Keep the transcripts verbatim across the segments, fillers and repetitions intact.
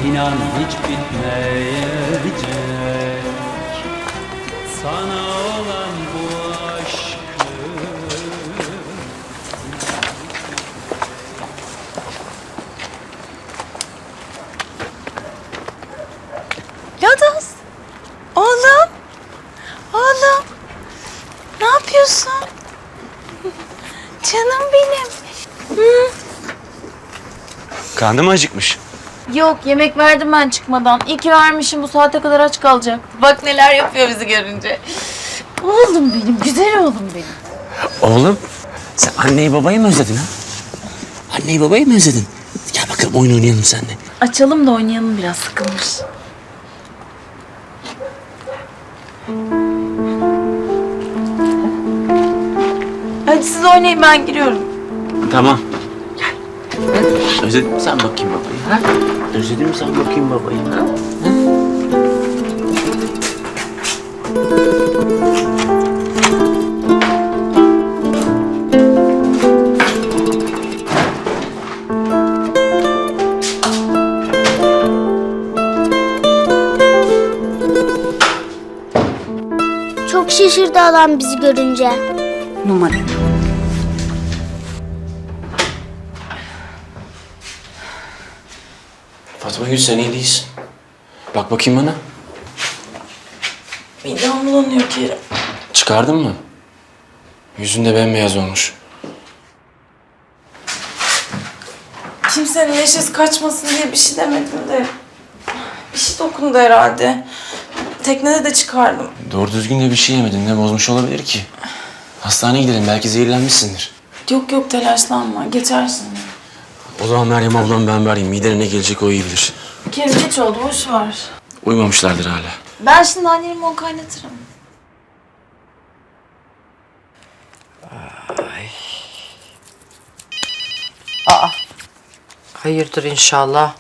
İnan hiç bitmeyecek. Sana olan bu aşkı. Lodos. Oğlum. Oğlum. Ne yapıyorsun? Canım benim. Hı. Karnım acıkmış. Yok, yemek verdim ben çıkmadan. İyi ki vermişim, bu saate kadar aç kalacak. Bak neler yapıyor bizi görünce. Oğlum benim, güzel oğlum benim. Oğlum, sen anneyi babayı mı özledin ha? Anneyi babayı mı özledin? Gel bakalım oyun oynayalım seninle. Açalım da oynayalım, biraz sıkılmış. Hadi siz oynayın, ben giriyorum. Tamam. Gel. Özledin mi sen bakayım babayı ha? Özledin mi sen bakayım babayı ha? ha? Çok şaşırdı adam bizi görünce. Numara. Fatma Gül sen iyi değilsin. Bak bakayım bana. Midem bulanıyor Kerim. Çıkardın mı? Yüzün de bembeyaz olmuş. Kimsenin neşesi kaçmasın diye bir şey demedim de... Bir şey dokundu herhalde. Teknede de çıkardım. Doğru düzgün de bir şey yemedin. Ne bozmuş olabilir ki? Hastaneye gidelim. Belki zehirlenmişsindir. Yok yok, telaşlanma. Geçersin. O zaman Meryem ablam ben vereyim. Midene ne gelecek o iyi bilir. Kerim geç oldu, boş ver. Uyumamışlardır hala. Ben şimdi annenin limon kaynatırım. Hayırdır inşallah.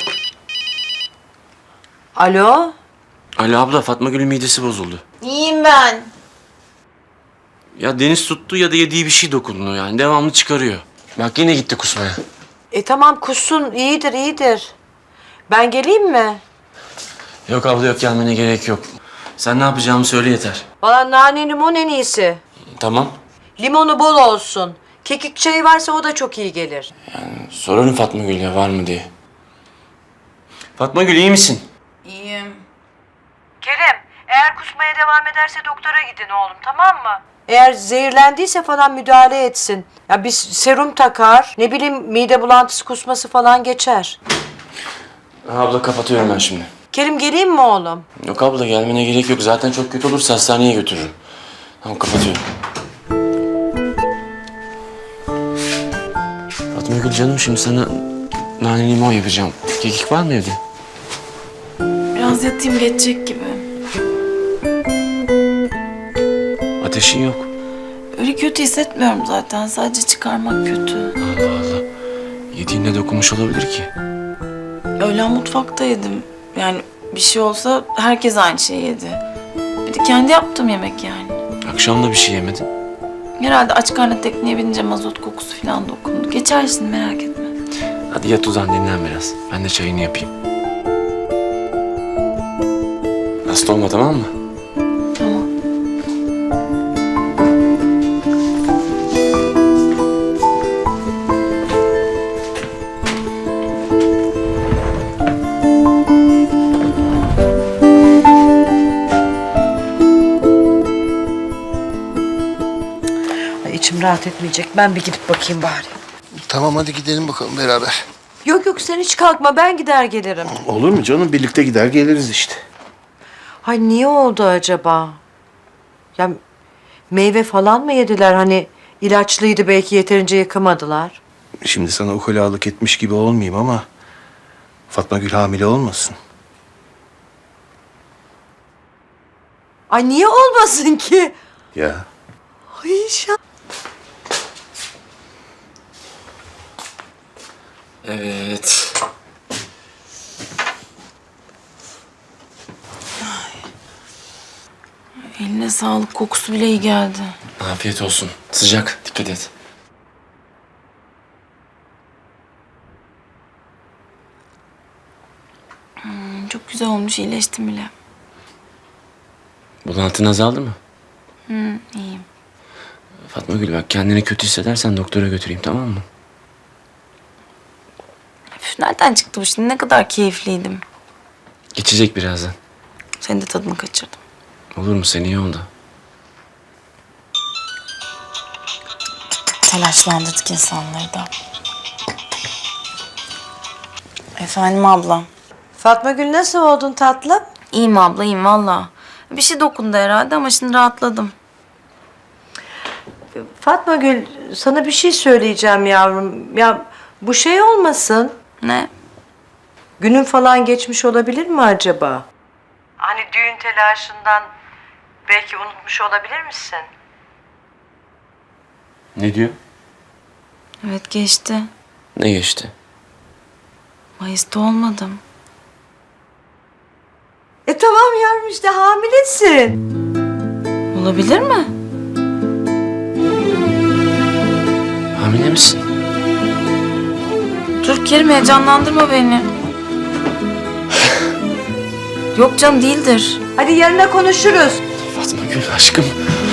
Alo? Ali abla Fatma Gül'ün midesi bozuldu. İyiyim ben. Ya deniz tuttu ya da yediği bir şey dokundu yani. Devamlı çıkarıyor. Bak yine gitti kusmaya. E tamam kussun, iyidir iyidir. Ben geleyim mi? Yok abla yok gelmene gerek yok. Sen ne yapacağımı söyle yeter. Valla nane limon en iyisi. Tamam. Limonu bol olsun. Kekik çayı varsa o da çok iyi gelir. Sorarım Fatma Gül'e var mı diye. Fatma Gül iyi misin? İyiyim. Kerem, eğer kusmaya devam ederse doktora gidin oğlum, tamam mı? Eğer zehirlendiyse falan müdahale etsin. Ya bir serum takar, ne bileyim mide bulantısı kusması falan geçer. Ha, abla kapatıyorum ben şimdi. Kerim geleyim mi oğlum? Yok abla gelmene gerek yok. Zaten çok kötü olursa hastaneye götürürüm. Tamam kapatıyorum. Fatma Gül canım şimdi sana nane limon yapacağım. Kekik var mı evde? Biraz yatayım, geçecek gibi. Ateşin yok. Öyle kötü hissetmiyorum zaten. Sadece çıkarmak kötü. Allah Allah. Yediğinde dokunmuş olabilir ki. Öğlen mutfakta yedim. Yani bir şey olsa herkes aynı şeyi yedi. Bir de kendi yaptığım yemek yani. Akşam da bir şey yemedin. Herhalde aç karnına tekneye binince mazot kokusu falan dokundu. Geçersin, merak etme. Hadi yat uzan dinlen biraz. Ben de çayını yapayım. Hasta olma tamam mı? Tamam. Ay, içim rahat etmeyecek. Ben bir gidip bakayım bari. Tamam hadi gidelim bakalım beraber. Yok yok sen hiç kalkma. Ben gider gelirim. Olur mu canım? Birlikte gider geliriz işte. Ay niye oldu acaba? Ya meyve falan mı yediler? Hani ilaçlıydı belki yeterince yıkamadılar. Şimdi sana ukalalık etmiş gibi olmayayım ama... Fatma Gül hamile olmasın. Ay niye olmasın ki? Ya. Ay inşallah. Evet. Eline sağlık, kokusu bile iyi geldi. Afiyet olsun. Sıcak. Dikkat et. Hmm, çok güzel olmuş, iyileştim bile. Bulantın azaldı mı? Hı, iyiyim. Fatma Gül bak kendini kötü hissedersen doktora götüreyim tamam mı? Üf, nereden çıktı bu şimdi? Ne kadar keyifliydim. Geçecek birazdan. Senin de tadını kaçırdım. Olur mu sen iyi oldu. Telaşlandırdık insanları da. Efendim ablam. Fatma Gül nasıl oldun tatlım? İyiyim abla, iyiyim valla. Bir şey dokundu herhalde ama şimdi rahatladım. Fatma Gül sana bir şey söyleyeceğim yavrum. Ya bu şey olmasın. Ne? Günün falan geçmiş olabilir mi acaba? Hani düğün telaşından belki unutmuş olabilir misin? Ne diyor? Evet geçti. Ne geçti? Mayıs'ta olmadım. E tamam yavrum işte hamilesin. Olabilir mi? Hamile misin? Dur Kerim, heyecanlandırma beni. Yok canım, değildir. Hadi yarına konuşuruz. Fatma Gül aşkım.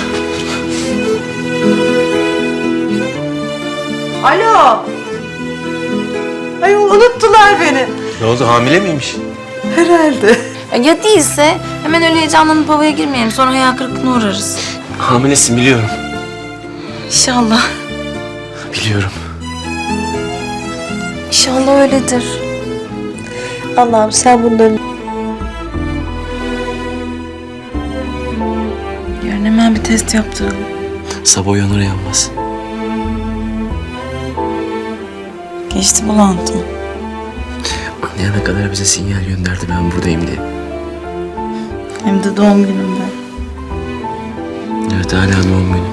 Alo. Ay unuttular beni. Ne oldu hamile miymiş? Herhalde. Ya değilse hemen öyle heyecanlanıp havaya girmeyelim. Sonra hayal kırıklığına uğrarız. Hamilesin biliyorum. İnşallah. Biliyorum. İnşallah öyledir. Allah'ım sen bunların... Yarın hemen bir test yaptıralım. Sabah uyanır uyanmaz. Geçti bulantım. Anlayana kadar bize sinyal gönderdi ben buradayım diye. Hem de doğum günümde. Evet hala doğum günü.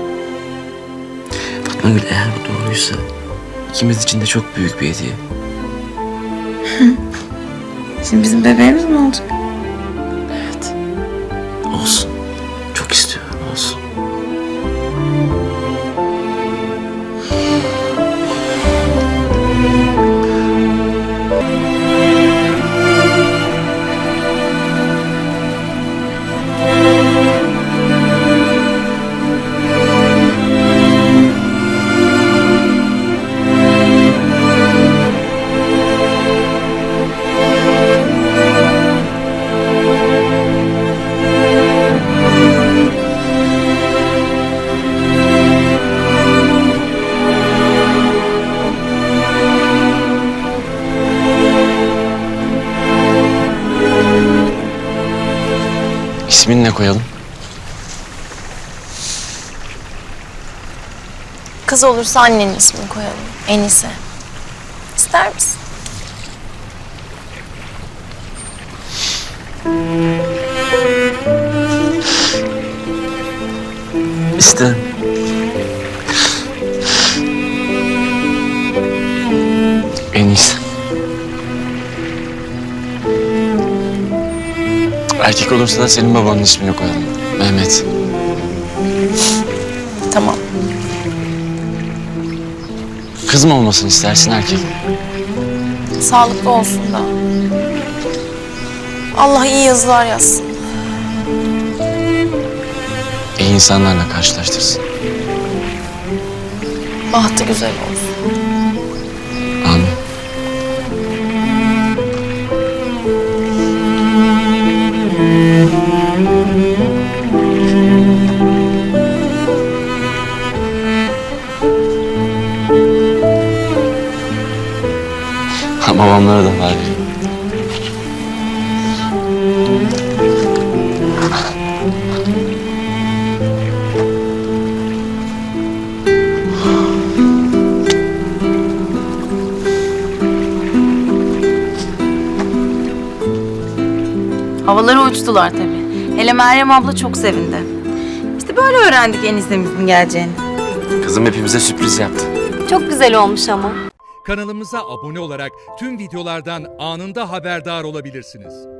Fatma Gül eğer bu doğruysa ikimiz için de çok büyük bir hediye. Şimdi bizim bebeğimiz mi olacak? Evet. Olsun. Çok istiyorum olsun. İsmini ne koyalım? Kız olursa annenin ismini koyalım. Enise. İster misin? İsterim. En iyisi. Erkek olursa da senin babanın ismini koyalım. Mehmet. Tamam. Kız mı olmasını istersin erkek mi? Sağlıklı olsun da. Allah iyi yazılar yazsın. İyi insanlarla karşılaştırsın. Bahtı güzel olsun. Amin. Ha, babamlara da var. Havalara uçtular tabii. Hele Meryem abla çok sevindi. İşte böyle öğrendik eniştemizin geleceğini. Kızım hepimize sürpriz yaptı. Çok güzel olmuş ama. Kanalımıza abone olarak tüm videolardan anında haberdar olabilirsiniz.